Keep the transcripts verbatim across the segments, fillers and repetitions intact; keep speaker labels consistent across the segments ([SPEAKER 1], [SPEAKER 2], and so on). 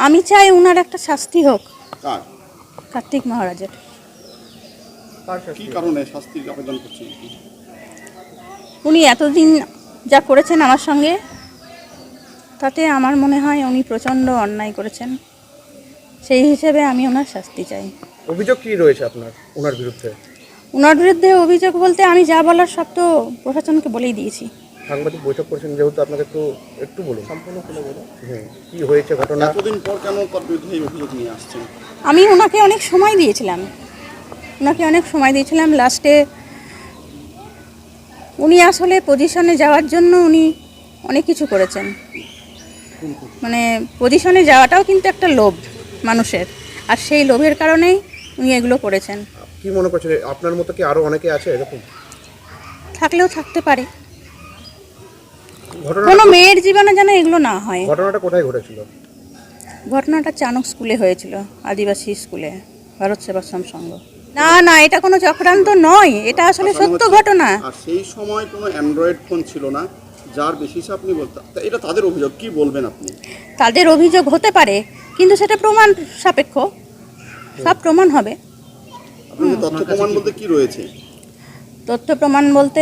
[SPEAKER 1] আমি চাই ওনার একটা শাস্তি হোক। কার্তিক মহারাজের।
[SPEAKER 2] কি কারণে শাস্তির আবেদন করছেন?
[SPEAKER 1] উনি এতদিন যা করেছেন আমার সঙ্গে, তাতে আমার মনে হয় উনি প্রচণ্ড অন্যায় করেছেন। সেই হিসেবে আমি ওনার শাস্তি চাই।
[SPEAKER 3] অভিযোগ কি রয়েছে আপনার ওনার বিরুদ্ধে?
[SPEAKER 1] ওনার বিরুদ্ধে অভিযোগ বলতে আমি যা বলার সব তো প্রশাসনকে বলেই দিয়েছি।
[SPEAKER 3] সাংবাদিক বৈঠক করেছেন যেহেতু, আপনাকে একটু একটু বলুন, সম্পূর্ণ করে বলুন কি হয়েছে ঘটনা।
[SPEAKER 2] এতদিন পর কেন তার বিরুদ্ধে এই অভিযোগ নিয়ে আসছেন?
[SPEAKER 1] আমি ওনাকে অনেক সময় দিয়েছিলাম ওনাকে অনেক সময় দিয়েছিলাম লাস্টে উনি আসলে পজিশনে যাওয়ার জন্য উনি অনেক কিছু করেছেন। মানে পজিশনে যাওয়াটাও কিন্তু একটা লোভ মানুষের, আর সেই লোভের কারণেই উনি এগুলো করেছেন।
[SPEAKER 3] কি মনে করছেন আপনার মতো কি আরো অনেকে আছে এরকম?
[SPEAKER 1] থাকলেও থাকতে পারে।
[SPEAKER 3] ঘটনা
[SPEAKER 1] কোনো মেয়ের জীবনে যেন এগুলো না হয়।
[SPEAKER 3] ঘটনাটা কোথায় ঘটেছিল?
[SPEAKER 1] ঘটনাটা চানক স্কুলে হয়েছিল, আদিবাসী স্কুলে, ভারত সেবাশ্রম সংঘ। না না, এটা কোনো চক্রান্ত নয়, এটা আসলে সত্য ঘটনা।
[SPEAKER 2] আর সেই সময় কোনো অ্যান্ড্রয়েড ফোন ছিল না, যার বেশিসে আপনি বলতে, এটা তাদের অভিযোগ, কি বলবেন আপনি?
[SPEAKER 1] তাদের অভিযোগ হতে পারে, কিন্তু সেটা প্রমাণ সাপেক্ষ, সব প্রমাণ হবে।
[SPEAKER 2] আপনাদের তথ্য প্রমাণ বলতে কি রয়েছে?
[SPEAKER 1] তথ্য প্রমাণ বলতে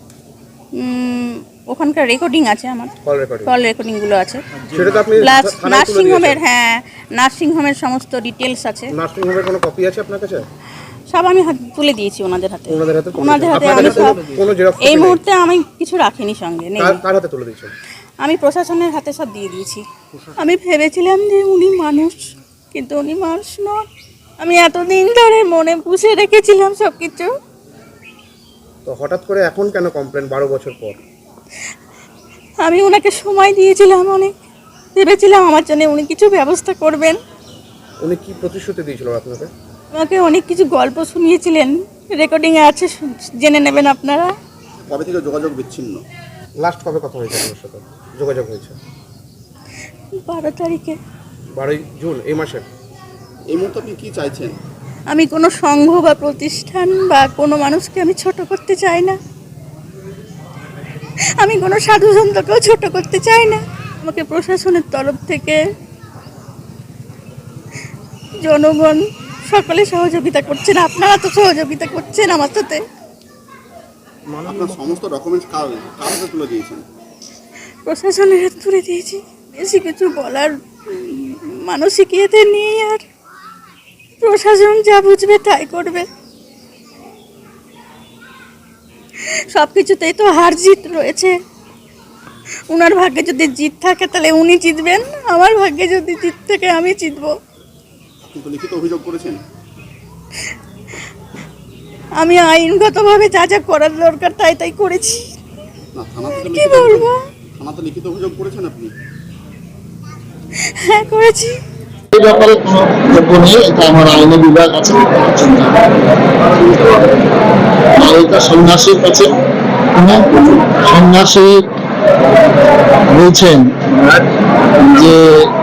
[SPEAKER 1] ওখানকার রেকর্ডিং আছে, আমার
[SPEAKER 3] কল রেকর্ডিং
[SPEAKER 1] কল রেকর্ডিংগুলো আছে,
[SPEAKER 3] সেটা তো আপনি
[SPEAKER 1] প্লাস
[SPEAKER 3] থানায় তুলে
[SPEAKER 1] নার্সিং হোমের,
[SPEAKER 3] দিয়েছেন।
[SPEAKER 1] হ্যাঁ নার্সিং হোমের সমস্ত ডিটেলস আছে।
[SPEAKER 3] নার্সিং হোমের কোনো কপি আছে আপনার কাছে?
[SPEAKER 1] সব আমি হাত তুলে দিয়েছি ওনাদের হাতে।
[SPEAKER 3] ওনাদের হাতে তুলে
[SPEAKER 1] ওনাদের হাতে
[SPEAKER 3] দিয়েছেন।
[SPEAKER 1] আমি
[SPEAKER 3] আপনার
[SPEAKER 1] সব,
[SPEAKER 3] কাছে কোনো জেরক্স
[SPEAKER 1] এই
[SPEAKER 3] কপি নেই?
[SPEAKER 1] মুহূর্তে আমি কিছু রাখিনি সঙ্গে, নেই।
[SPEAKER 3] কার- কার হাতে তুলে দিয়েছেন?
[SPEAKER 1] আমি প্রশাসনের হাতে সব দিয়ে দিয়েছি। আমি ভেবেছিলাম যে উনি মানুষ, কিন্তু উনি মানুষ নন। আমি এতদিন ধরে মনে পুষে রেখেছিলাম সব কিছু।
[SPEAKER 3] তো হঠাৎ করে এখন কেন কমপ্লেন বারো বছর পর?
[SPEAKER 1] আমি ওনাকে সময় দিয়েছিলাম অনেক, ভেবেছিলাম আমার জন্য উনি কিছু ব্যবস্থা করবেন।
[SPEAKER 3] উনি কি প্রতিশ্রুতি দিয়েছিল আপনাকে?
[SPEAKER 1] আমাকে অনেক কিছু গল্প শুনিয়েছিলেন, রেকর্ডিংয়ে আছে, জেনে নেবেন আপনারা।
[SPEAKER 2] কবে থেকে যোগাযোগ বিচ্ছিন্ন?
[SPEAKER 3] লাস্ট কবে কথা হয়েছে আপনার সাথে যোগাযোগ হয়েছে?
[SPEAKER 1] বারো তারিখে।
[SPEAKER 3] বারোই জুন এই মাসের।
[SPEAKER 2] এই মুহূর্তে আপনি কি চাইছেন?
[SPEAKER 1] আমি কোনো সংঘ বা প্রতিষ্ঠান বা কোনো মানুষকে আমি ছোট করতে চাই না। আমি কোনো সাধু সন্তকেও ছোট করতে চাই না। আমাকে প্রশাসনের তরফ থেকে জনগণ সকলে সহযোগিতা করছেন, আপনারা তো সহযোগিতা করছেন আমার সাথে।
[SPEAKER 2] আপনার সমস্ত ডকুমেন্টস কার কার হাতে তুলে দিয়েছেন?
[SPEAKER 1] প্রশাসনের হাতে তুলে দিয়েছি। বেশি কিছু বলার মানসিকতা নেই, আর প্রশাসন যা বুঝবে তাই করবে। সব কিছুতেই তো হার জিত রয়েছে। ওনার ভাগ্যে যদি জিত থাকে তাহলে উনি জিতবেন, আমার ভাগ্যে যদি জিত থাকে আমি জিতবো।
[SPEAKER 2] আপনি তো লিখিত অভিযোগ করেছেন?
[SPEAKER 1] আমি আইনগতভাবে যা যা করার দরকার তাই তাই করেছি।
[SPEAKER 2] না, থানাতে তো
[SPEAKER 1] কি
[SPEAKER 2] লিখিত
[SPEAKER 1] বলবো?
[SPEAKER 2] অভিযোগ- থানাতে লিখিত অভিযোগ করেছেন আপনি?
[SPEAKER 1] হ্যাঁ করেছি।
[SPEAKER 4] এই ব্যাপারে কোনো বক্তব্য নেই, এটা আমার আইনি বিভাগ আছে। আর এটা সন্ন্যাসীর কাছে, সন্ন্যাসী বলছেন যে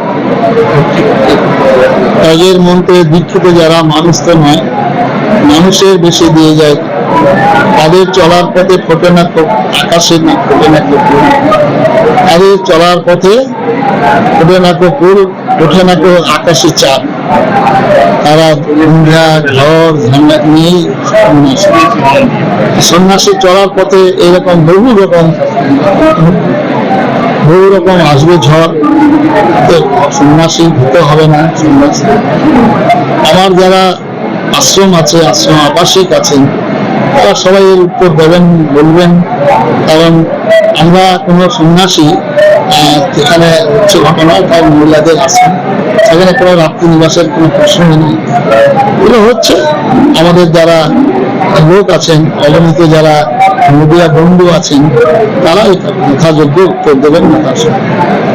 [SPEAKER 4] ত্যাগের মন্ত্রে দীক্ষিত যারা মানুষ তো নয়, মানুষের বেশি দিয়ে যায়, তাদের চলার পথে ফোটে না আকাশে, না ফোটে না কপুর, তাদের চলার পথে ফোটে না কপুর, ওঠে না আকাশে চাঁদ। তারা ঘুমরা ঘর ঝান্ডা নিয়ে সন্ন্যাসী। সন্ন্যাসী চলার পথে এরকম বহু রকম বহু রকম আসবে ঝড়, সন্ন্যাসী হতে হবে না। সন্ন্যাসী আমার যারা আশ্রম আছে, আশ্রম আবাসিক আছেন, তারা সবাই এর উত্তর দেবেন, বলবেন। কারণ আমরা কোনো সন্ন্যাসী যেখানে হচ্ছে ঘটনা, তার মহিলাদের আশ্রম, সেখানে কোনো রাত্রি নিবাসের কোনো প্রশ্ন নেই। এগুলো হচ্ছে আমাদের যারা লোক আছেন, অবনীত যারা মিডিয়া বন্ধু আছেন, তারা যথাযোগ্য উত্তর দেবেন না। তার সঙ্গে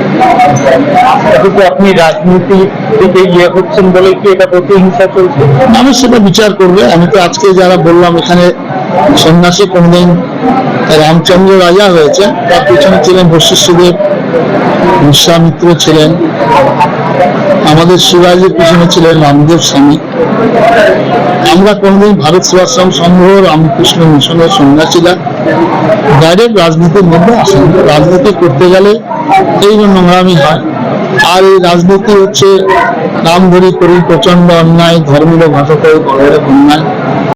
[SPEAKER 5] আপনি রাজনীতি দিকে ইয়ে হচ্ছেন বলে কি এটা প্রতিহিংসা চলছে?
[SPEAKER 4] মানুষ সেটা বিচার করবে। আমি তো আজকে যারা বললাম, এখানে সন্ন্যাসী কোনদিন রামচন্দ্র রাজা হয়েছে, তার পিছনে ছিলেন বশিষ্ঠদেব, বিশ্বামিত্র ছিলেন, আমাদের শিবাজির পিছনে ছিলেন রামদেব স্বামী। আমরা কোনদিন ভারত সেবাশ্রম সংঘ, রামকৃষ্ণ মিশনের সন্ন্যাসীরা ডাইরেক্ট রাজনীতির মধ্যে আসেন। রাজনীতি করতে গেলে এই নোংরামি হয়, আর এই রাজনীতি হচ্ছে নাম ধরি করি প্রচন্ড অন্যায়, ধর্মীয় ভাষা করে বড় বড় অন্যায়।